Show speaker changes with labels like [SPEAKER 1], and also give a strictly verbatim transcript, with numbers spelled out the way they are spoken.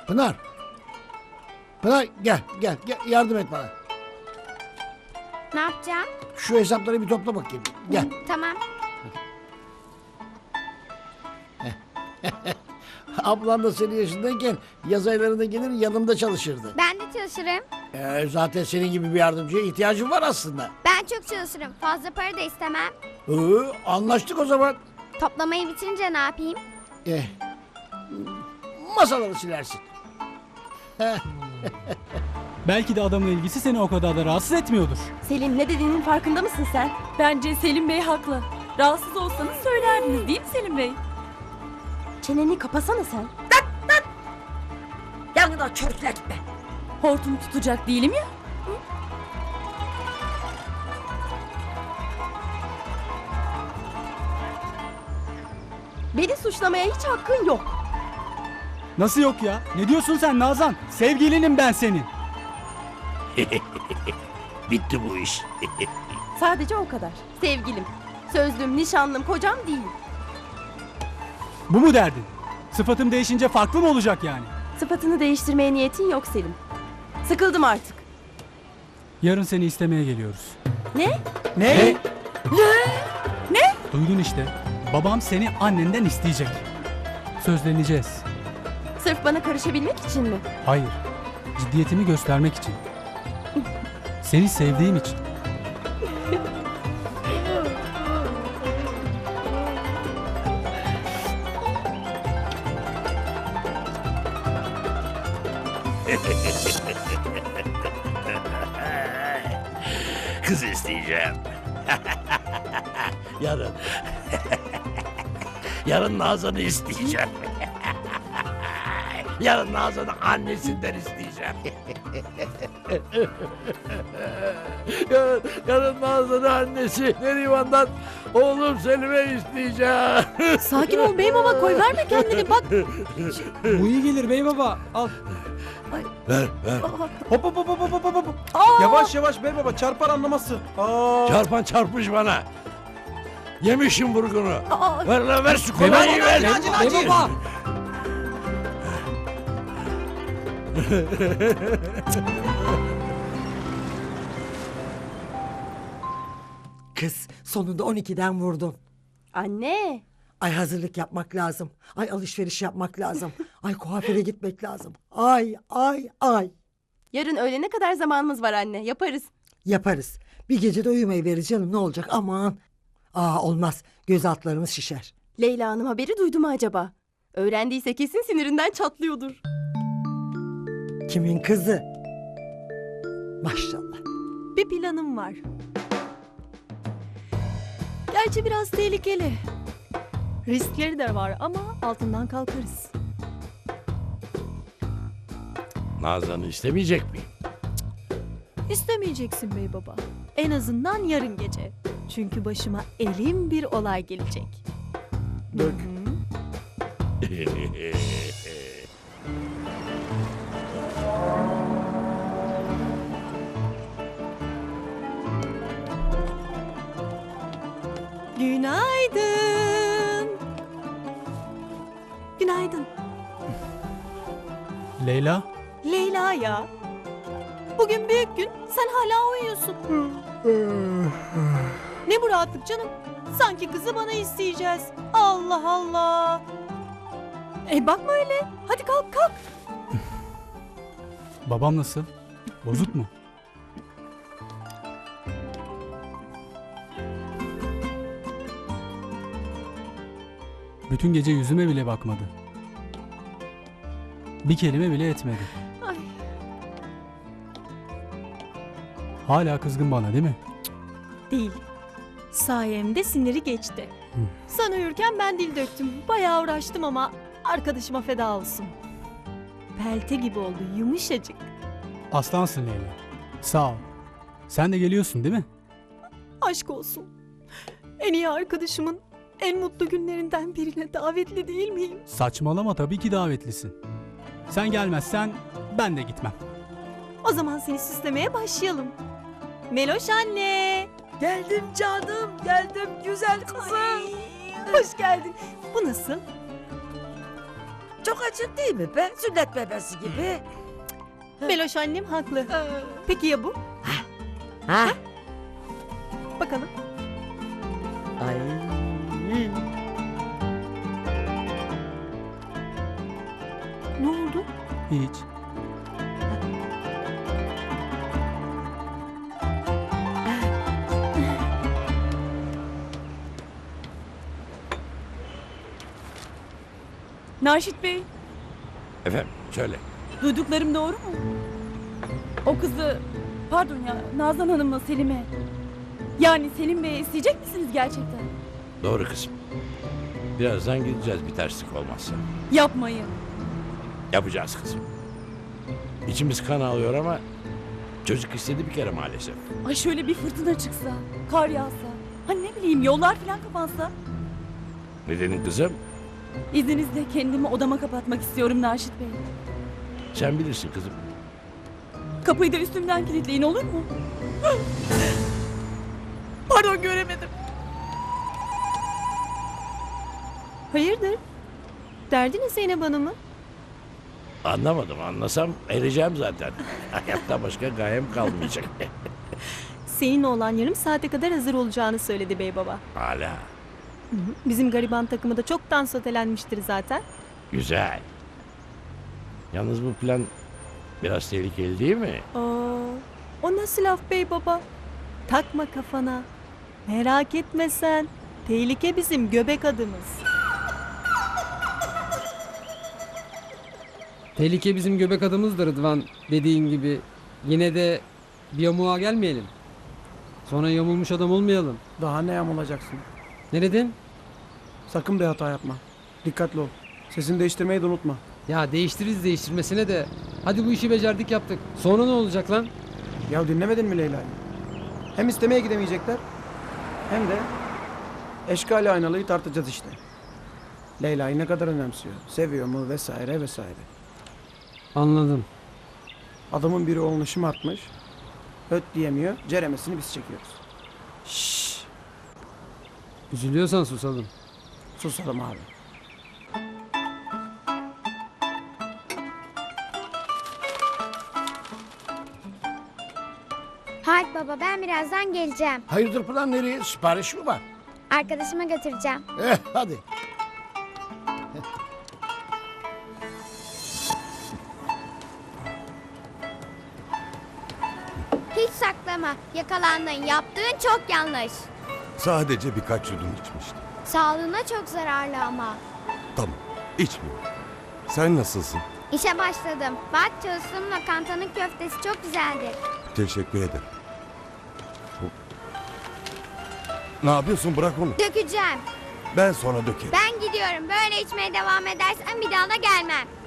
[SPEAKER 1] Pınar. Pınar gel gel gel yardım et bana.
[SPEAKER 2] Ne yapacağım?
[SPEAKER 1] Şu hesapları bir topla bakayım. Gel.
[SPEAKER 2] Tamam.
[SPEAKER 1] Ablan da senin yaşındayken yaz aylarında gelir yanımda çalışırdı.
[SPEAKER 2] Ben de çalışırım.
[SPEAKER 1] Ee, zaten senin gibi bir yardımcıya ihtiyacım var aslında.
[SPEAKER 2] Ben çok çalışırım. Fazla para da istemem.
[SPEAKER 1] Ee, anlaştık o zaman.
[SPEAKER 2] Toplamayı bitirince ne yapayım?
[SPEAKER 1] Eh, masaları silersin.
[SPEAKER 3] Belki de adamın ilgisi seni o kadar da rahatsız etmiyordur.
[SPEAKER 4] Selim, ne dediğinin farkında mısın sen?
[SPEAKER 5] Bence Selim Bey haklı. Rahatsız olsanız söylerdiniz değil mi Selim Bey?
[SPEAKER 4] Çeneni kapasana sen.
[SPEAKER 6] Yanına çocuklar gitme.
[SPEAKER 5] Hortum tutacak değilim ya.
[SPEAKER 4] Beni suçlamaya hiç hakkın yok.
[SPEAKER 3] Nasıl yok ya? Ne diyorsun sen Nazan? Sevgilinim ben senin.
[SPEAKER 7] Bitti bu iş.
[SPEAKER 4] Sadece o kadar. Sevgilim, sözlüm, nişanlım, kocam değil.
[SPEAKER 3] Bu mu derdin? Sıfatım değişince farklı mı olacak yani?
[SPEAKER 4] Sıfatını değiştirmeye niyetin yok Selim. Sıkıldım artık.
[SPEAKER 3] Yarın seni istemeye geliyoruz.
[SPEAKER 4] Ne?
[SPEAKER 3] Ne? Ne? Duydun işte. Babam seni annenden isteyecek. Sözleneceğiz.
[SPEAKER 4] Sırf bana karışabilmek için mi?
[SPEAKER 3] Hayır. Ciddiyetimi göstermek için. Seni sevdiğim için.
[SPEAKER 7] Kız isteyeceğim. Yarın. Yarın Nazan'ı isteyeceğim. Yarın Nazan'ı annesinden isteyeceğim. yarın, yarın Nazan'ı annesi Neriman'dan oğlum Selim'e isteyeceğim.
[SPEAKER 5] Sakin ol beyim ama koy verme kendini bak.
[SPEAKER 3] Bu iyi gelir bey baba. Al.
[SPEAKER 7] Ver ver.
[SPEAKER 8] Hop hop hop hop hop hop hop. Yavaş yavaş bey baba çarpar anlaması. Aa.
[SPEAKER 7] Çarpan çarpmış bana. Yemişim vurgunu.
[SPEAKER 5] Aa.
[SPEAKER 7] Ver lan ver şu kolayı ver.
[SPEAKER 8] Bey baba.
[SPEAKER 6] Kız sonunda on ikiden vurdun.
[SPEAKER 4] Anne.
[SPEAKER 6] Ay hazırlık yapmak lazım. Ay alışveriş yapmak lazım. Ay kuaföre gitmek lazım. Ay ay ay.
[SPEAKER 4] Yarın öğlene kadar zamanımız var anne. Yaparız.
[SPEAKER 6] Yaparız. Bir gecede uyumayı veririz canım ne olacak aman. Aa olmaz göz altlarımız şişer.
[SPEAKER 4] Leyla Hanım haberi duydu mu acaba? Öğrendiyse kesin sinirinden çatlıyordur.
[SPEAKER 6] Kimin kızı? Maşallah.
[SPEAKER 5] Bir planım var. Gerçi biraz tehlikeli. Riskleri de var ama altından kalkarız.
[SPEAKER 7] Nazan'ı istemeyecek miyim?
[SPEAKER 5] İstemeyeceksin bey baba. En azından yarın gece. Çünkü başıma elim bir olay gelecek.
[SPEAKER 7] Dök.
[SPEAKER 5] Günaydın. Günaydın.
[SPEAKER 3] Leyla.
[SPEAKER 5] Leyla ya. Bugün büyük gün. Sen hala uyuyorsun. Ne bu rahatlık canım? Sanki kızı bana isteyeceğiz. Allah Allah. E bakma öyle. Hadi kalk kalk.
[SPEAKER 3] Babam nasıl? Bozuk mu? Bütün gece yüzüme bile bakmadı. Bir kelime bile etmedi.
[SPEAKER 5] Ay.
[SPEAKER 3] Hala kızgın bana değil mi?
[SPEAKER 5] Değil. Sayemde siniri geçti. Sen uyurken ben dil döktüm. Bayağı uğraştım ama arkadaşıma feda olsun. Pelte gibi oldu yumuşacık.
[SPEAKER 3] Aslansın Leyla. Sağ ol. Sen de geliyorsun değil mi?
[SPEAKER 5] Aşk olsun. En iyi arkadaşımın en mutlu günlerinden birine davetli değil miyim?
[SPEAKER 3] Saçmalama, tabii ki davetlisin. Sen gelmezsen ben de gitmem.
[SPEAKER 5] O zaman seni süslemeye başlayalım. Meloş anne.
[SPEAKER 6] Geldim canım geldim güzel kızım.
[SPEAKER 5] Hoş geldin. Bu nasıl?
[SPEAKER 9] Çok açık değil mi be? Sünnet bebesi gibi.
[SPEAKER 5] Beloş annem haklı. Peki ya bu?
[SPEAKER 9] Ha?
[SPEAKER 5] Bakalım.
[SPEAKER 9] Ay.
[SPEAKER 5] Ne oldu?
[SPEAKER 3] Hiç.
[SPEAKER 10] Naşit Bey,
[SPEAKER 7] Efendim söyle.
[SPEAKER 10] duyduklarım doğru mu? O kızı, pardon ya, Nazan Hanım'la Selim'e. Yani Selim Bey'e isteyecek misiniz gerçekten?
[SPEAKER 7] Doğru kızım. Birazdan gideceğiz bir terslik olmazsa.
[SPEAKER 10] Yapmayın.
[SPEAKER 7] Yapacağız kızım. İçimiz kan ağlıyor ama çocuk istedi bir kere maalesef.
[SPEAKER 10] Ay şöyle bir fırtına çıksa, kar yağsa, hani ne bileyim yollar falan kapansa.
[SPEAKER 7] Nedenin kızım?
[SPEAKER 10] İzninizle kendimi odama kapatmak istiyorum Naşit Bey.
[SPEAKER 7] Sen bilirsin kızım.
[SPEAKER 10] Kapıyı da üstümden kilitleyin olur mu? Pardon göremedim.
[SPEAKER 5] Hayırdır? Derdiniz Zeynep Hanım'ı?
[SPEAKER 7] Anlamadım. Anlasam ereceğim zaten. Hayatta başka gayem kalmayacak.
[SPEAKER 5] Seninle olan yarım saate kadar hazır olacağını söyledi bey baba.
[SPEAKER 7] Hala.
[SPEAKER 5] Bizim gariban takımı da çoktan sotelenmiştir zaten.
[SPEAKER 7] Güzel. Yalnız bu plan biraz tehlikeli değil mi?
[SPEAKER 5] Aa, o nasıl laf bey baba? Takma kafana. Merak etme sen. Tehlike bizim göbek adımız.
[SPEAKER 11] Tehlike bizim göbek adımızdır Rıdvan, dediğin gibi. Yine de bir yamuğa gelmeyelim. Sonra yamulmuş adam olmayalım.
[SPEAKER 8] Daha ne yamulacaksın?
[SPEAKER 11] Ne dedin?
[SPEAKER 8] Sakın bir hata yapma. Dikkatli ol. Sesini değiştirmeyi de unutma.
[SPEAKER 11] Ya değiştiririz değiştirmesine de. Hadi bu işi becerdik yaptık. Sonra ne olacak lan?
[SPEAKER 8] Ya dinlemedin mi Leyla'yı? Hem istemeye gidemeyecekler hem de eşkali aynalıyı tartacağız işte. Leyla'yı ne kadar önemsiyor, seviyor mu vesaire vesaire.
[SPEAKER 11] Anladım.
[SPEAKER 8] Adamın biri oğlunu şımartmış, öt diyemiyor, ceremesini biz çekiyoruz.
[SPEAKER 11] Şşş. Üzülüyorsan susalım.
[SPEAKER 8] Susalım abi.
[SPEAKER 2] Haydi baba ben birazdan geleceğim.
[SPEAKER 1] Hayırdır plan nereye? Sipariş mi var?
[SPEAKER 2] Arkadaşıma götüreceğim.
[SPEAKER 1] Eh hadi.
[SPEAKER 2] Hiç saklama. Yakalandın. Yaptığın çok yanlış.
[SPEAKER 12] Sadece birkaç yudum içmiştim.
[SPEAKER 2] Sağlığına çok zararlı ama.
[SPEAKER 12] Tamam, içmiyorum. Sen nasılsın?
[SPEAKER 2] İşe başladım. Bak çalıştığım lokantanın köftesi çok güzeldir.
[SPEAKER 12] Teşekkür ederim. Ne yapıyorsun? Bırak onu.
[SPEAKER 2] Dökeceğim.
[SPEAKER 12] Ben sonra dökerim.
[SPEAKER 2] Ben gidiyorum. Böyle içmeye devam edersen bir daha da gelmem.